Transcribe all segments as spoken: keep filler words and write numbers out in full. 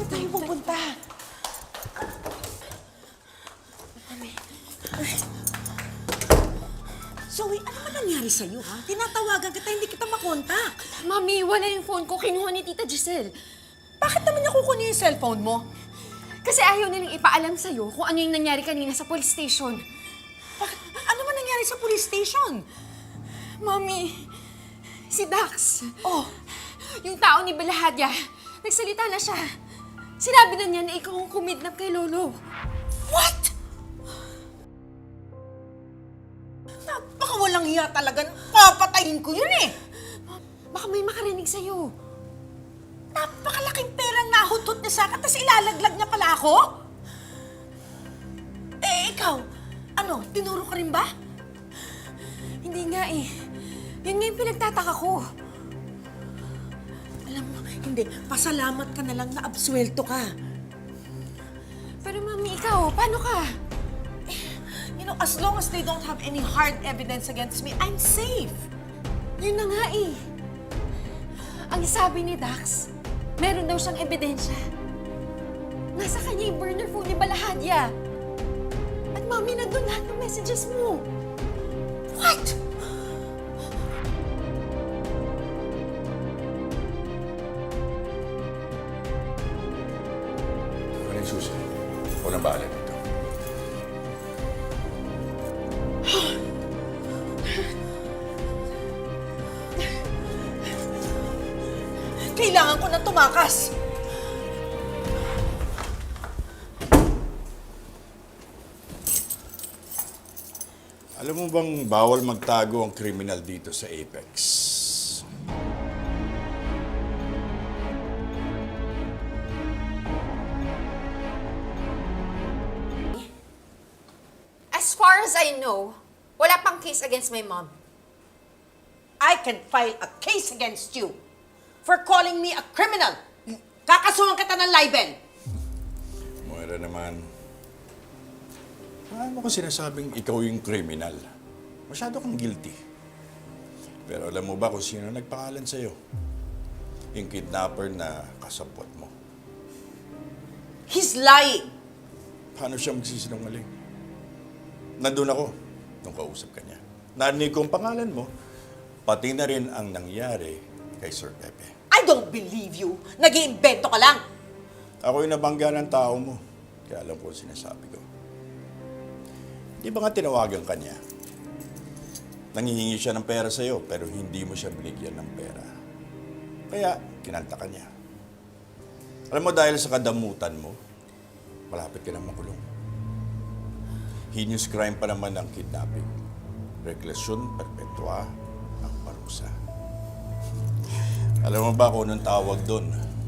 ba tayo pupunta? Mami. Zoe, ano ba nangyari sa'yo, ha? Tinatawagan kita, hindi kita makontak. Mami, wala yung phone ko. Kinuha ni Tita Giselle. Bakit naman niya kukunin yung cellphone mo? Kasi ayaw nilang ipaalam sa'yo kung ano yung nangyari kanina sa police station. Bakit? Ano man nangyari sa police station? Mami, si Dax. Oh, Yung tao ni Balahadya, nagsalita na siya. Sinabi na niya na ikaw ang kumidnap kay Lolo. what? Napaka walang hiya talaga. Papatayin ko yun eh. Baka may makarinig sa'yo. Napakalaking perang nahutot niya sa akin, tapos ilalaglag niya pala ako? Eh, ikaw, ano, tinuro ka rin ba? Hindi nga eh. Yun nga yung pinagtataka ko. Alam mo, hindi, pasalamat ka na lang na absuelto ka. Pero Mami, ikaw, paano ka? You know, as long as they don't have any hard evidence against me, I'm safe. Yun na nga eh. Ang sabi ni Dax, meron daw siyang ebidensya. Nasa kanya yung burner phone ni Balahadya. At Mami, nandun lahat ng messages mo. What? Ano yung susi? Walang bahala dito. Kailangan ko na tumakas. Alam mo bang bawal magtago ang kriminal dito sa Apex? As far as I know, wala pang case against my mom. I can file a case against you for calling me a criminal. Kakasuhan kita ng libel. Moira naman. Paano ko sinasabing ikaw yung kriminal? Masyado kang guilty. Pero alam mo ba kung sino nagpangalan sa'yo? Yung kidnapper na kasabwat mo. He's lying. Paano siya magsisinungaling? Nandun ako nung kausap ka niya. Narinig ko ang pangalan mo, pati na rin ang nangyari kay Sir Pepe. I don't believe you. Nag-iimbento ka lang. Ako yung nabangga ng tao mo. Kaya alam ko ang sinasabi ko. Di ba nga tinawagan ka niya? Nangihingi siya ng pera sa'yo, pero hindi mo siya binigyan ng pera. Kaya, kinanta ka niya. Alam mo, dahil sa kadamutan mo, malapit ka na makulong. Heinous crime pa naman ang kidnapping. Reclusion perpetua ang parusa. Alam mo ba kung anong tawag doon?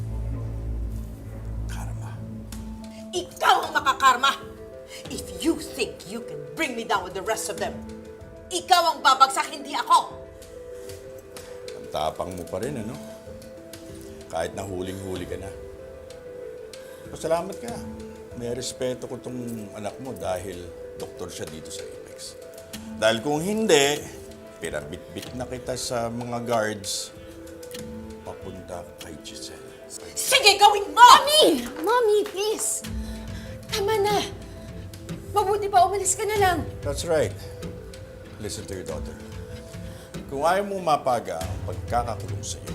Karma. Ikaw ang makakarma. If you think you can bring me down with the rest of them, ikaw ang babagsak, hindi ako. Ang tapang mo pa rin, ano? Kahit na huling-huli ka na. Pasalamat ka. May respeto ko tong anak mo dahil doktor siya dito sa Apex. Dahil kung hindi, pinabit-bit na kita sa mga guards papunta kay Giselle. Sige, gawin mo! Mami! Mami, please! Tama na. Mabuti pa, umalis ka na lang. That's right. Listen to your daughter. Kung ayaw mo mapaga ang pagkakakulong sa'yo,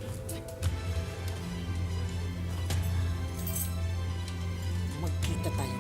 Magkita tayo